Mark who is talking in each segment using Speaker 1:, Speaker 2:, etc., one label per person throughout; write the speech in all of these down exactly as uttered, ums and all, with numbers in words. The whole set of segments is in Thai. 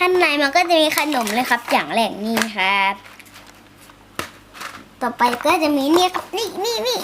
Speaker 1: ข้างในมันก็จะมีขนมเลยครับอย่างแรกนี่ครับต่อไปก็จะมีเนี่ยครับนี่นี่นี่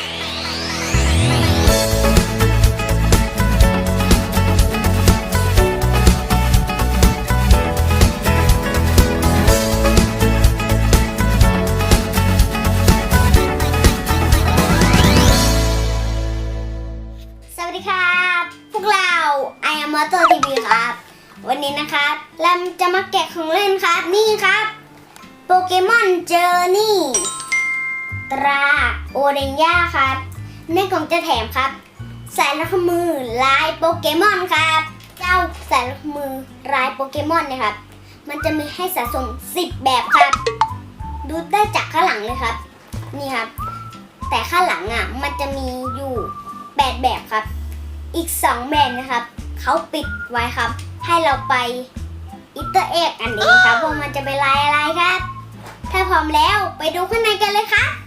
Speaker 1: สวัสดีครับพวกเรา ไอ แอม มอเตอร์ ที วี ครับวันนี้นะครับเราจะมาแกะของเล่นครับนี่ครับโปเกมอนเจอร์นี่ตราโอเรนย่าครับในกล่องจะแถมครับสายลักมือลายโปเกมอนครับเจ้าสายลักมือลายโปเกมอนเนี่ยครับมันจะมีให้สะสมสิบแบบครับดูได้จากข้างหลังเลยครับนี่ครับแต่ข้างหลังอ่ะมันจะมีอยู่แปดแบบครับอีกสองแบบนะครับเขาปิดไว้ครับให้เราไปอิตเตอร์เอ็กอันนี้ครับว่ามันจะเป็นลายอะไรครับถ้าพร้อมแล้วไปดูข้างในกันเลยครับ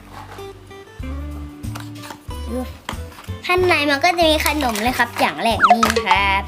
Speaker 1: ข้างในมันก็จะมีขนมเลยครับอย่างแรกนี่ครับ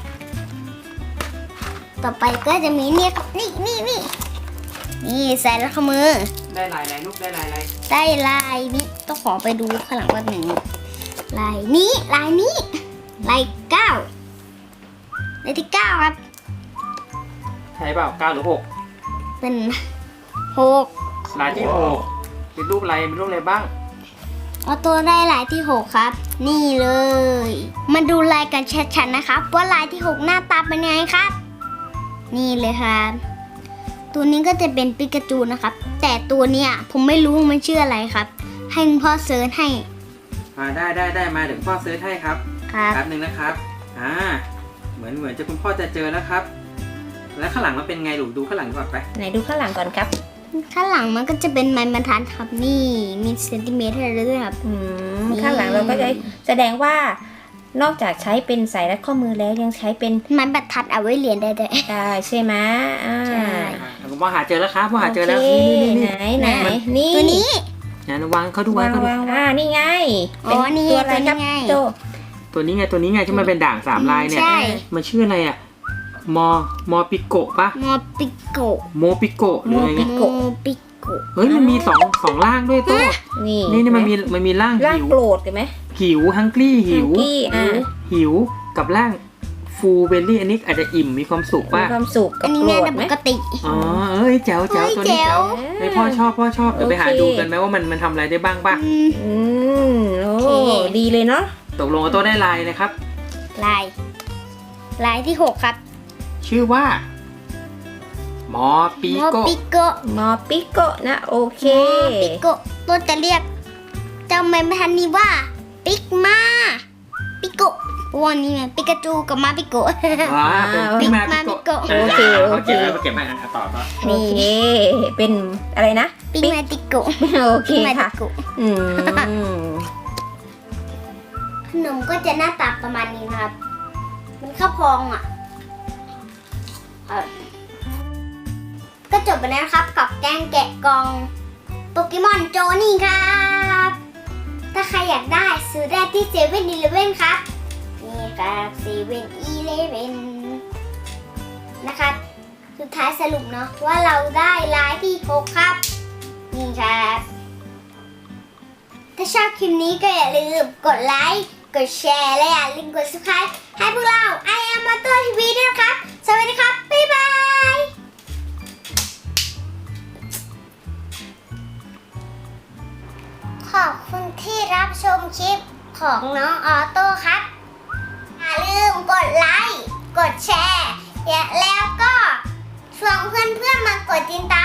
Speaker 1: ต่อไปก็จะมีเนี่ยครับนี่นี่นี่นี่ใส่แล้วข้อมือ
Speaker 2: ได้ลายอะไรลูกได้ลายอะไร
Speaker 1: ได้ลายนี้ต้องขอไปดูข้างหลังว่าหนึ่งลายนี้ลายนี้ลายเก้าลายที่เก้าครับ
Speaker 2: ใช่เปล่าเก้าหรือหก
Speaker 1: เป็นหก
Speaker 2: ลายที่หกเป็นรูปอะไรเป็นรูปอะไรบ้าง
Speaker 1: เอาตัวได้ลายที่หกครับนี่เลยมาดูลายกันชัดๆนะครับว่าลายที่หกหน้าตาเป็นยังไงครับนี่เลยครับตัวนี้ก็จะเป็นปิกาจูนะครับแต่ตัวเนี้ยผมไม่รู้มันชื่ออะไรครับให้คุณพ่อเซิร์ชให้
Speaker 2: อ่าได้ได้ได้มาเดี๋ยวพ่อเซิร์ชให้ครับ
Speaker 1: ครับ
Speaker 2: แป๊บนึงนะครับอ่าเหมือนเหมือนจะคุณพ่อจะเจอแล้วครับแล้วข้างหลังมันเป็นไงลูกดูข้างหลังก่อนไป
Speaker 3: ไหนดูข้างหลังก่อนครับ
Speaker 1: ข้างหลังมันก็จะเป็นไม้บรรทัดครับนี่มีเซนติเมตรให้เราด้วยครับ
Speaker 3: อืมข้างหลังเราก็จะแสดงว่านอกจากใช้เป็นสายรัดข้อมือแล้วยังใช้เป็น
Speaker 1: ไม้บรรทัดเอาไว้เรียนได้ด้วย
Speaker 3: ได้ใช่ไหมอ่าใช่
Speaker 2: คุณพ่อหาเจอแล้วครับพ่อหาเจอแล้ว
Speaker 3: นี่ไหนไหนนี่
Speaker 1: ตัวนี้
Speaker 2: นะวางเขาดูวางเขาดู
Speaker 3: อ่านี่ไง
Speaker 1: อ๋อนี่ตัวอะไรครับ
Speaker 2: ตัวตัวนี้ไงตัวนี้ไงที่มันเป็นด่างสามลายเนี่ยมันชื่ออะไรอ่ะมอมอปิโกะปะ
Speaker 1: มอปิโกะ
Speaker 2: โมปิโกะหรือไง
Speaker 1: โมปิโกะ
Speaker 2: เฮ้ยมันมีสองสองล่างด้วยตัว
Speaker 3: นี่
Speaker 2: นี่นี่มันมีมันมีล่าง
Speaker 3: หิวโกรธกันไหม
Speaker 2: หิวฮังกี้หิวหิวกับล่างฟูเบลลี่อันนี้อาจจะอิ่มมีความสุขป่ะ
Speaker 3: มีความสุขกับโกรธไหม
Speaker 1: ปกติ
Speaker 2: อ๋อเอ้ยแจ๋วแจ๋วตัวนี้แจ๋วไอพ่อชอบพ่อชอบเดี๋ยวไปหาดูกันไหมว่ามันมันทำอะไรได้บ้างป่ะ
Speaker 3: อืมโอ้ดีเลยเนาะ
Speaker 2: ตกลงตัวได้ลายเลยครับ
Speaker 1: ลายลายที่หกครับ
Speaker 2: ชื่อว่ามอปิโกะ
Speaker 1: มอปิโกะ
Speaker 3: มอปิโกะนะโอเค
Speaker 1: มอปิโกะตัวจะเรียกเจ้าแมพันนี้ว่าปิกมาปิโกะวันนี้มันปิกาจูกับมาปิโกะ
Speaker 2: ว้าปิกมาปิโกะ
Speaker 3: โอเคโอเค
Speaker 2: เก็บมาเก็บมาต่อต่อ
Speaker 3: โอเคเป็นอะไรนะ
Speaker 1: ปิกมาปิโกะ
Speaker 3: โอเคค่ะอืม
Speaker 1: ขนมก็จะหน้าตาประมาณนี้นะครับมันข้าวพองอ่ะก็จบไปแล้วครับกับแกงแกะกล่องโปเกมอนโจนี่ครับถ้าใครอยากได้ซื้อได้ที่เซเว่นอีเลฟเว่นครับนี่ครับเซเว่นอีเลฟเว่นนะครับสุดท้ายสรุปเนาะว่าเราได้ลายที่หกครับนี่ครับถ้าชอบคลิปนี้ก็อย่าลืมกดไลค์กดแชร์และอย่าลืมกด ซับสไครบ์ ให้พวกเรา ไอ แอม มอเตอร์ ที วี ด้วยนะครับสวัสดีครับบ๊ายบายขอบคุณที่รับชมคลิปของน้องออโต้ครับอย่าลืมกดไลค์กดแชร์แล้วก็ชวนเพื่อนๆมากดติดตาม